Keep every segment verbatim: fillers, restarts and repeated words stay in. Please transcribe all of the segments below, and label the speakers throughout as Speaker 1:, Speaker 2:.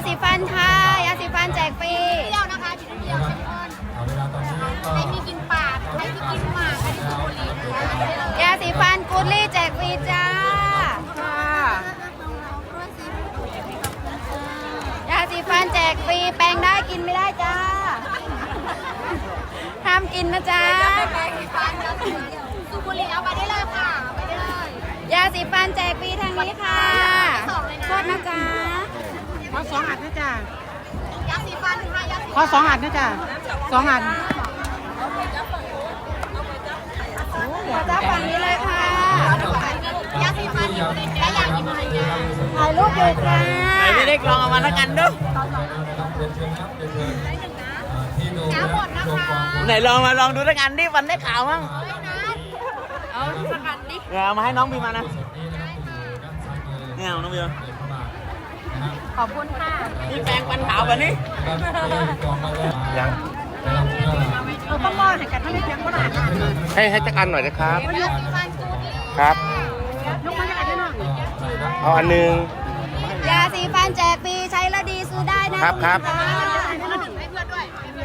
Speaker 1: สีฟันค่ะยาสีฟันแจกฟรี
Speaker 2: เดียวนะคะชิ้นเดียวเข้มข้นใครมีกินปากใครมีกินหมากใครมีบุหรี่นะคะ
Speaker 1: ยาสีฟันกูดลี่แจกฟรีจ้าค่ะยาสีฟันแจกฟรีแปรงได้กินไม่ได้จ้าห้ามกินนะจ๊ะ
Speaker 2: สูบบุหรี่เอาไปได้เลยค่ะไปได้เลย
Speaker 1: ยาสีฟันแจกฟรีทางนี้ค่ะโทษนะจ๊ะ
Speaker 3: ขอสองอันนะจ๊ะ
Speaker 2: ยาสีฟันค่ะยาสี
Speaker 3: ขอสองอันนะจ๊ะสองอัน
Speaker 1: ขอจ้าฝั่งนี้เลยค่ะ
Speaker 2: ยาสีฟันและยากินอะไรยา
Speaker 1: ถ่ายรูปอยู่จ้า
Speaker 3: ไหนไม่ได้กลองเอามาแล้วกันดู
Speaker 2: ยาหมดนะคะ
Speaker 3: ไหนลองมาลองดูแล้วกันดิวันได้ข่าวมั้ง
Speaker 2: เอาสกัดดิ
Speaker 3: เอามาให้น้องบีมานะเนี่ยน้องบี
Speaker 1: ขอบคุณค่ะ
Speaker 3: นี่แปรงฟันขาววันนี้ยัง
Speaker 1: เราต้องรอให้กันให้เพียงขนาดนั้น
Speaker 4: ให้ให้จักอันหน่อยนะครับ
Speaker 2: ยาสีฟันกูดลี่
Speaker 4: ครับ
Speaker 1: ลูกมาให้กันหน่อย
Speaker 4: เอาอันหนึง
Speaker 1: ยาสีฟันแจกฟรีใช้แล้วดีซื้อได้นะครับ
Speaker 4: ครับ
Speaker 2: ให้เพื่อนด้วย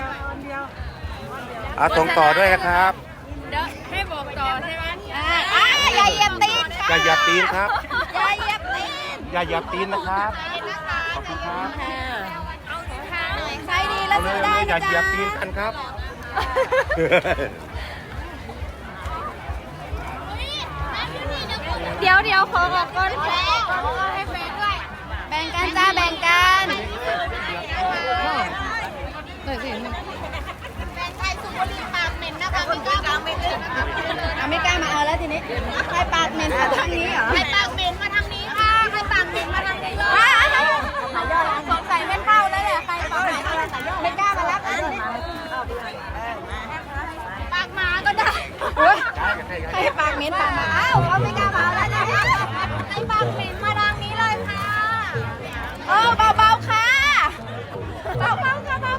Speaker 4: เอาส่งต่อด้วยนะครับ
Speaker 2: เดี๋ยวให้บอกต่อใช่ไหม
Speaker 1: อ่าอย่าเหยียบตีน
Speaker 4: อย่าเหยียบตีนครับ
Speaker 1: อย่าเหยียบตีน
Speaker 4: อย่าเหยียบตีนนะครับ
Speaker 2: นะคะ
Speaker 4: ขอบคุณครับ
Speaker 1: ใช้ดีแล้ว
Speaker 4: เอาเล
Speaker 1: ซื้
Speaker 4: ย
Speaker 1: อได้
Speaker 4: อย่า
Speaker 1: นะ
Speaker 4: เหยีย
Speaker 1: จ๊ะ
Speaker 4: บตีนกันครับ
Speaker 1: เดี๋ยวเดี๋ยวขอออกก่อน
Speaker 2: แล้วให้เฟซด้วย
Speaker 1: แบ่งกันจ้าแบ่งกัน
Speaker 2: แฟนไทยสูบบุหรี่ปากเหม็นนะคะไม่กล้าไม่กล้า
Speaker 1: เอาไม่กล้ามาเอาแล้วทีนี้ใครปากเหม็นมาทางนี้เหรอ
Speaker 2: ใครปากเหม็นมาทางนี้ค่ะใครปากเหม็นมาทางนี้เลย
Speaker 1: สงสัยไม่เข้าแล้วแหละใครปากเหม็นไม่กล้ามารับอันนี้
Speaker 2: ปากหมาก็ได้
Speaker 1: ใครปากเหม็นปากมาอ้าวเอาไม่กล้ามาเอาแล้วนะ
Speaker 2: ใครปากเหม็นมาทางนี้เลยค่ะ
Speaker 1: เออเบาๆค่ะเบาๆค่ะเบา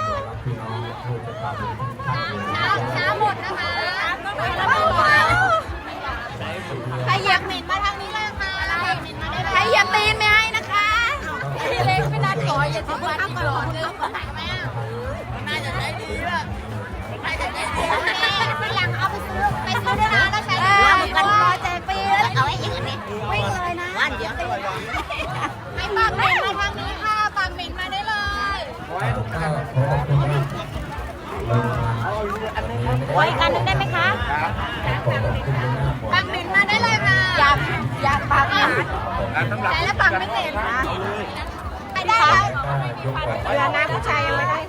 Speaker 2: ช้าช้าหมดนะคะ
Speaker 1: ๆเบาๆใครเหยียบ
Speaker 2: เหม็นมาทางนี้เลยค่ะเหม็นมาได้
Speaker 1: ใครเหยียบตีนไม่ให้นะคะ
Speaker 2: เล็กไม่นัดขออย่าทิ้งวันอีกหลอดนึงไหนไหมอ่ะน่าจะได้ดีแบบน่าจะได้ดีทีหลังเอาไปซื้อไปซื้อด้วยนะแล้วใช้
Speaker 1: เอ
Speaker 2: ได้
Speaker 1: อ
Speaker 2: กั
Speaker 1: กัน
Speaker 2: น
Speaker 1: พอแจกฟรีแล้ว
Speaker 2: เอาไว้อีกอันนี้
Speaker 1: วิ่งเลยนะวันเดียว
Speaker 2: ให้ปากเหม็นมาทางนี้ค่ะปากเหม็นมาได้เลย
Speaker 1: ไว้กันนึงได้ไหมคะ
Speaker 2: ปากเหม็นมาได้เลยค่ะ
Speaker 1: อยากอยากปากเหม็น
Speaker 2: ใช้แล้วปากไม่เหม็นไปได้แล้ว
Speaker 1: เวลาหน้าผู้ชายยังไม่ได้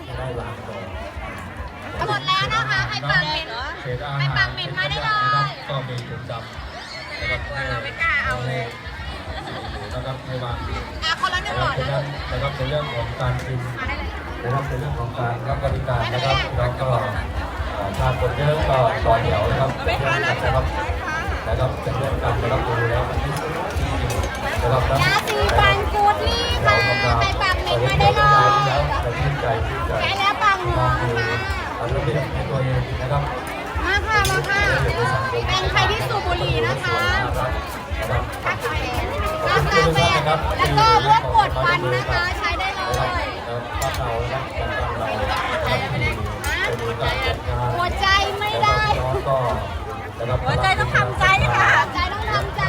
Speaker 2: หมดแล้วนะคะใครปากเหม็นใครปากเหม็นมาได้เลย
Speaker 5: ก็มีถุงดำนะครับให้
Speaker 2: เราไม่กล้าเอาเลย
Speaker 5: นะครับให้วาง
Speaker 2: อ่ะคนละหนึ่งหลอด
Speaker 5: เพราะ
Speaker 2: นะ
Speaker 5: ฉะนั้นนะครับในเรื่องของการกินนะครับในเรื่องของการรับบริการนะครับแล้วก็เอ่อถ้าคนเยอะก็ต่อแถวนะครับนะครับนะครับจะเรื่องการรับดูแล้วมันที่สุดนะครับ
Speaker 2: ยาสีฟันกูดลี่ค่ะใครปากเหม็นมาได้เลย
Speaker 5: แล้วแต่ชื่นใจชื่นใจ
Speaker 2: ใช้แล้วปากหอมค่ะ
Speaker 5: เอาระเบียบในตัวเองนะครับ
Speaker 2: มาค่ะมาค่ะเป็นใครที่สูบบุหรี่นะคะกาแฟแล้วก็พวกปวดฟันนะคะใช้ได้เลย หัวใจไม่ได้ หัวใจต้องทำใจค่ะหัวใจต้องทำใจ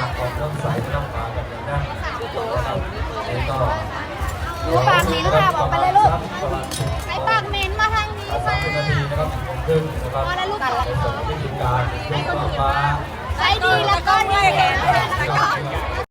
Speaker 1: หนูปากเหม็นค่ะบอกไปเลยลูก
Speaker 2: ใช้ปากเหม็นมาทางนี้ค่ะพอแล้วลูกตัดละใช้ดีแล้วก็ดีนะคะ